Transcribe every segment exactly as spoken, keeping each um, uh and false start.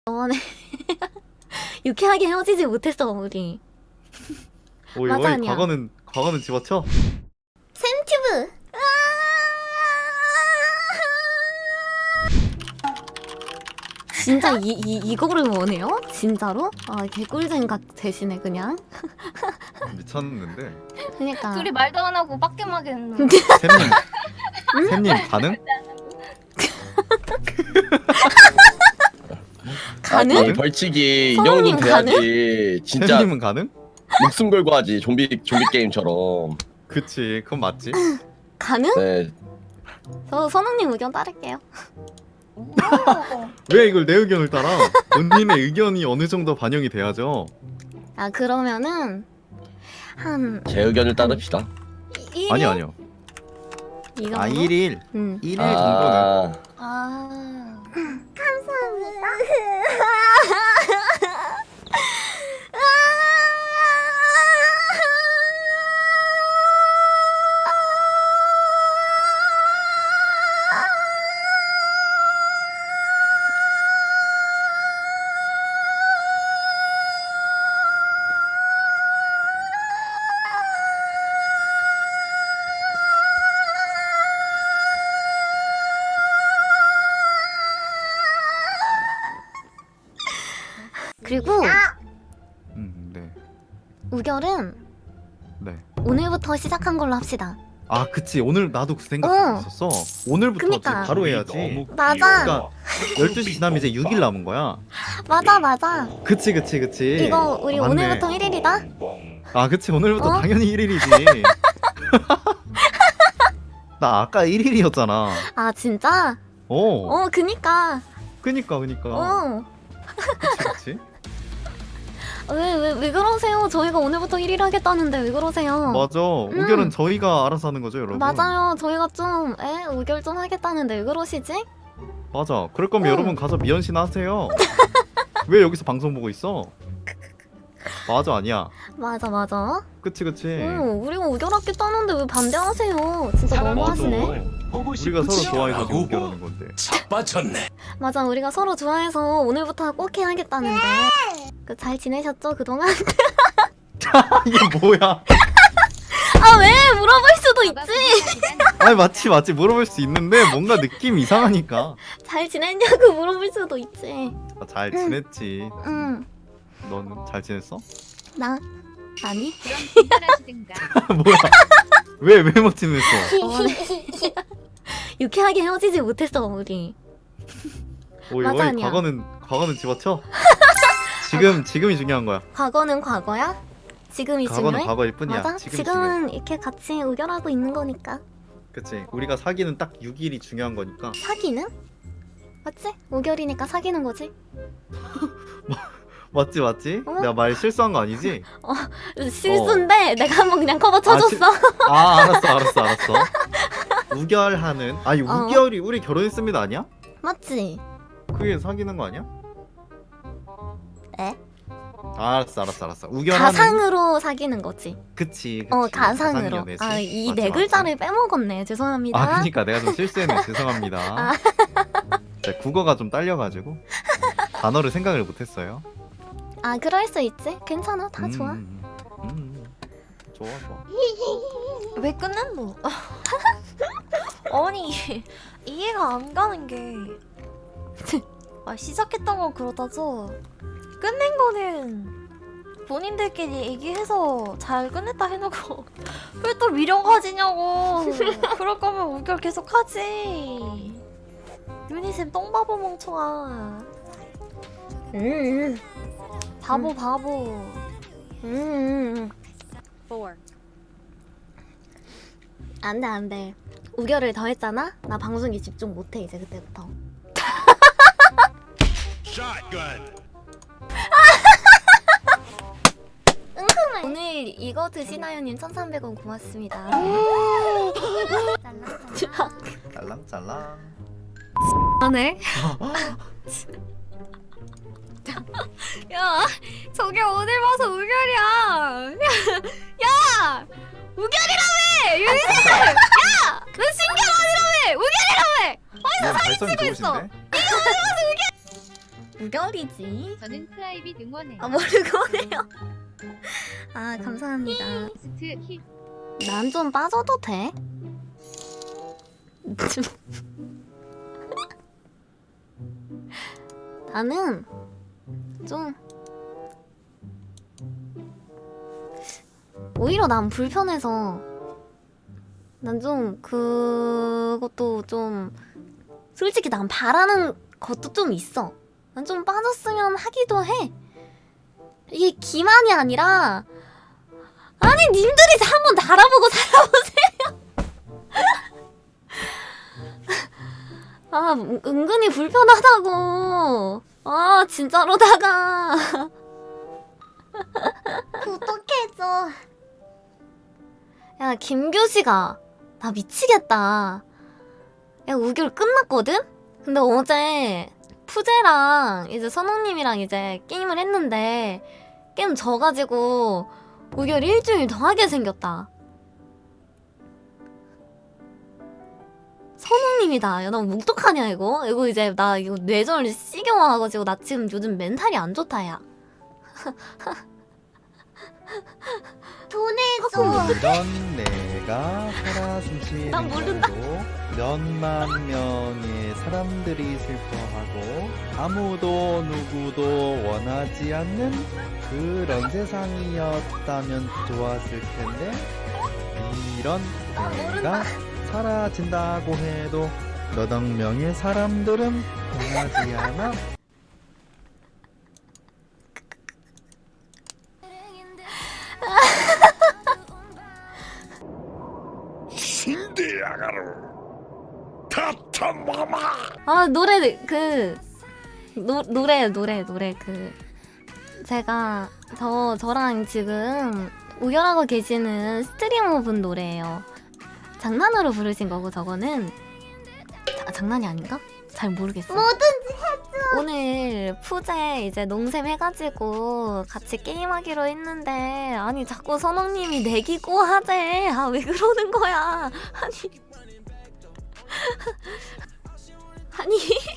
저번에 유쾌하게 헤어지지 못했어 우리. 오이 맞아, 오이 아니야. 과거는 과거는 집어쳐. 샘튜브. 진짜 이, 이, 이거를 원해요? 진짜로? 아 개꿀잼 각 대신에 그냥. 미쳤는데. 그니까. 둘이 말도 안 하고 빡겜하게 했노. 샘님 샘님 가능? 가능? 아니, 벌칙이 이 서울님 정도 돼야지. 진짜 샘님은 가능? 목숨 걸고 하지. 좀비 좀비 게임처럼. 그치 그건 맞지. 가능? 네. 저 선웅님 의견 따를게요. 왜 이걸 내 의견을 따라? 언니네 의견이 어느 정도 반영이 돼야죠. 아 그러면은 한 제 의견을 따릅시다. 일 아니요 아니요. 이 정도? 아 일일 응. 일일 정도는. 아, 아. 그리고 음 네. 우결은 네. 오늘부터 시작한 걸로 합시다. 아 그치 오늘 나도 그 생각 어. 있었어. 오늘부터 그니까. 지금 바로 해야지. 맞아. 그러니까 열두 시 지나면 이제 육 일 남은 거야. 맞아 맞아. 그치 그치 그치. 이거 우리 아, 맞네. 오늘부터 일 일이다. 아 그치 오늘부터 어? 당연히 일 일이지. 나 아까 일 일이었잖아. 아 진짜? 어. 어 그니까. 그니까 그니까. 어. 그치 그치. 왜 왜 왜 그러세요? 저희가 오늘부터 일 일 하겠다는데 왜 그러세요? 맞아. 음. 우결은 저희가 알아서 하는 거죠 여러분. 맞아요. 저희가 좀 에? 우결 좀 하겠다는데 왜 그러시지? 맞아. 그럴 거면 응. 여러분 가서 미연씨나 하세요. 왜 여기서 방송 보고 있어? 맞아 아니야. 맞아 맞아. 그치 그치. 응, 우리가 우결 하겠다는데 왜 반대하세요? 진짜 너무하시네. 우리가 서로 좋아해서 지금 우결하는 건데. 자빠졌네. 맞아, 우리가 서로 좋아해서 오늘부터 꼭 해야겠다는데. 그 잘 지내셨죠 그동안? 이게 뭐야? 아 왜? 물어볼 수도 있지. 아니 맞지 맞지 물어볼 수 있는데 뭔가 느낌 이상하니까. 잘 지냈냐고 물어볼 수도 있지. 아, 잘 지냈지. 응, 너는 잘 지냈어? 나 아니. 그럼 진단하시든가. 뭐야? 왜 왜 못 지냈어? 유쾌하게 헤어지지 못했어 우리. 오이 맞아, 오이 아니야. 과거는 과거는 집어쳐. 지금 지금이 중요한 거야. 과거는 과거야. 지금이 과거는 중요해. 과거일 뿐이야. 맞아. 지금 지금은 중요해. 이렇게 같이 우결하고 있는 거니까. 그치. 우리가 사귀는 딱 육 일이 중요한 거니까. 사귀는? 맞지? 우결이니까 사귀는 거지. 맞지 맞지? 어? 내가 말 실수한 거 아니지? 실수인데 내가 한번 그냥 커버 아, 쳐줬어. 아 알았어 알았어 알았어. 우결하는 아니 어. 우결이 우리 결혼했습니다 아니야? 맞지? 그게 사귀는 거 아니야? 에? 아, 알았어 알았어 알았어. 우결하는 가상으로 사귀는 거지. 그치, 그치. 어 가상으로. 가상연애지. 아 이 맞지, 네 맞지. 글자를 빼먹었네. 죄송합니다. 아 그니까 내가 좀 실수했네. 죄송합니다. 아. 네, 국어가 좀 딸려가지고 단어를 생각을 못했어요. 아 그럴 수 있지. 괜찮아. 다 음, 좋아. 음, 음. 좋아 좋아. 왜 끝냈노? 아니 이해가 안 가는 게 아, 시작했던 건 그렇다죠 끝낸 거는 본인들끼리 얘기해서 잘 끝냈다 해놓고 왜 또 미련 가지냐고. 그럴 거면 우결 계속 하지. 유니쌤 똥바보 멍청아. 음. 바보 음. 바보. 음. 안돼 안돼. 우결을 더 했잖아. 나 방송에 집중 못해 이제 그때부터. 샷건. 오늘 이거 드시나요님 천삼백 원 고맙습니다. 짤랑짤랑. 하네. 야, 저게 오늘 봐서 우결이야. 야, 우결이라며, 유니쌤. 야, 너 신경 아니라며, 우결이라며. 뭐 발성이 좋으신데? 우결이지. 저는 프라이빗 응원해요. 아 모르고네요. 아 감사합니다. 스트 히 난 좀 빠져도 돼? 나는 좀 오히려 난 불편해서 난 좀 그것도 좀 솔직히 난 바라는 것도 좀 있어. 난 좀 빠졌으면 하기도 해. 이게 기만이 아니라 아니 님들이 한번 달아보고 살아보세요. 아 은- 은근히 불편하다고. 아 진짜로다가 어떡해줘. 야 김교시가 나 미치겠다. 야 우결 끝났거든? 근데 어제 푸제랑 이제 선웅님이랑 이제 게임을 했는데 게임 져가지고 우결 일주일 더 하게 생겼다. 선웅님이다. 야 나 묵독하냐 이거? 이거 이제 나 이거 뇌절 시경 와가지고 나 지금 요즘 멘탈이 안 좋다 야. 돈해줘. 이런 내가 살아 숨쉬는 난 모른다. 곳으로 몇만 명의 사람들이 슬퍼하고 아무도 누구도 원하지 않는 그런 세상이었다면 좋았을 텐데 이런 내가 사라진다고 해도 몇억 명의 사람들은 원하지 않아. 신디아가루 타타마마. 아 노래 그 노, 노래 노래 노래 그 제가 저 저랑 지금 우결하고 계시는 스트리머분 노래예요. 장난으로 부르신 거고 저거는 자, 장난이 아닌가? 잘 모르겠어. 뭐든지 해줘. 오늘 푸제 이제 농샘 해가지고 같이 게임하기로 했는데 아니 자꾸 선홍님이 내기고 하재. 아 왜 그러는 거야? 아니 아니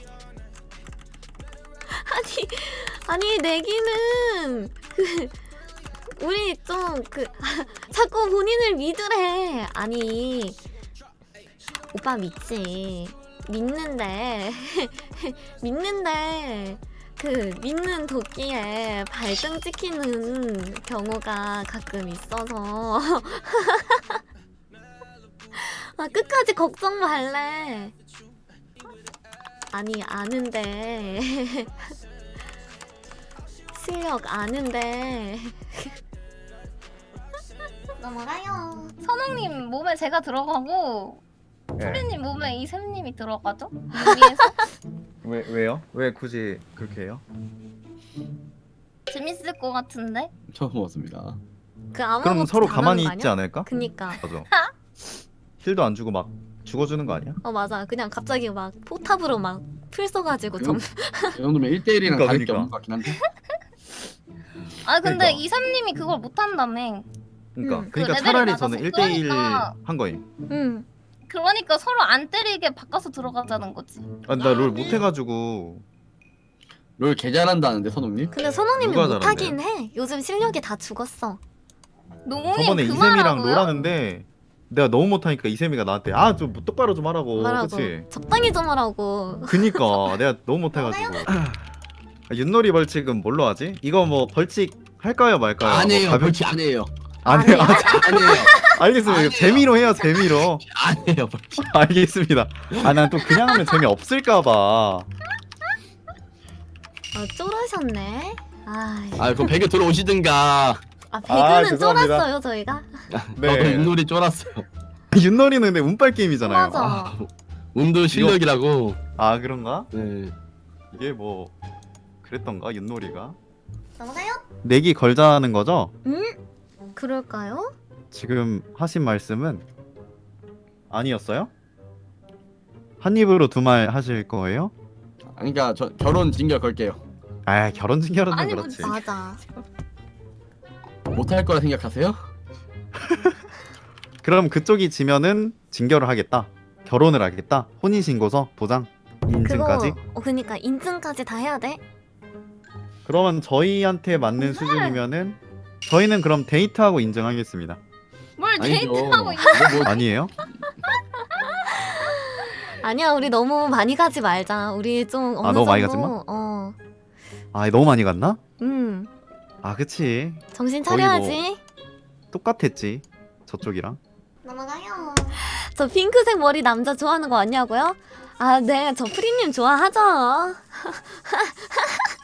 아니 아니 내기는 그 우리 좀 그 자꾸 본인을 믿으래. 아니 오빠 믿지 믿는데 믿는데 그 믿는 도끼에 발등 찍히는 경우가 가끔 있어서 아 끝까지 걱정 말래. 아니 아는데 실력 아는데 넘어가요. 선웅님 몸에 제가 들어가고 네. 프리님 몸에 이샘님이 들어가죠? 위에서 왜 왜요? 왜 굳이 그렇게 해요? 재밌을 것 같은데? 처음 먹었습니다. 그 아무것도 그럼 서로 안 가만히 하는 거 있지 아니야? 않을까? 그니까 맞아. 힐도 안 주고 막 죽어주는 거 아니야? 어 맞아. 그냥 갑자기 막 포탑으로 막 풀 써가지고 점. 이 정도면 일 대일이랑 그러니까, 다를 게 그러니까. 없는 것 같긴 한데. 아 근데 그러니까. 이샘님이 그걸 못한다며. 그러니까 음, 그 그러니까 레벨이 차라리 낮아서. 저는 일 대일 그러니까. 한 거임. 응. 그러니까 서로 안 때리게 바꿔서 들어가자는 거지. 아, 나 롤 못해가지고 롤 개 잘한다는데 선웅님? 근데 선호님이 누가 못하긴 해. 요즘 실력이 다 죽었어. 농님 저번에 그 이샘이랑 말하고요? 놀았는데 내가 너무 못하니까 이샘이가 나한테 아 좀 똑바로 좀 하라고. 말하고 그치? 적당히 좀 하라고. 그니까 내가 너무 못해가지고. 아, 윷놀이 벌칙은 뭘로 하지? 이거 뭐 벌칙 할까요 말까요? 안 해요. 뭐 가볍- 벌칙 안 해요. 안 해요. 아, 안 해요. 알겠습니다. 안 이거 해요. 재미로 해요 재미로. 안 해요. 벌칙. 알겠습니다. 아 난 또 그냥 하면 재미 없을까봐. 아 쫄으셨네. 아, 아 그럼 배그 들어오시든가. 아 배그는 죄송합니다. 쫄았어요 저희가. 네. 저도 윷놀이 쫄았어요. 윷놀이는 근데 운빨 게임이잖아요. 맞아. 아, 운도 실력이라고. 아 그런가? 네. 이게 뭐 그랬던가 윷놀이가? 넘어가요? 내기 걸자는 거죠? 응? 그럴까요? 지금 하신 말씀은 아니었어요? 한 입으로 두 말 하실 거예요? 그러니까 저 결혼 징계 걸게요. 아 결혼 징계는 아니, 뭐 그렇지. 맞아. 못할 거라 생각하세요? 그럼 그쪽이 지면은 징계를 하겠다. 결혼을 하겠다. 혼인신고서 도장 그거 인증까지. 어 그니까 인증까지 다 해야 돼? 그러면 저희한테 맞는 수준이면은 저희는 그럼 데이트하고 인정하겠습니다. 뭘 아니죠. 데이트하고 있 이거 뭐 아니에요? 아니야 우리 너무 많이 가지 말자. 우리 좀 어느 아, 너무 많이 정도, 가지 마? 어. 아 너무 많이 갔나? 음. 아 그치. 정신 거의 뭐- 차려야지. 똑같았지 저쪽이랑. 넘어가요. 저 핑크색 머리 남자 좋아하는 거 아니냐고요? 아, 네, 저 프리님 좋아하죠.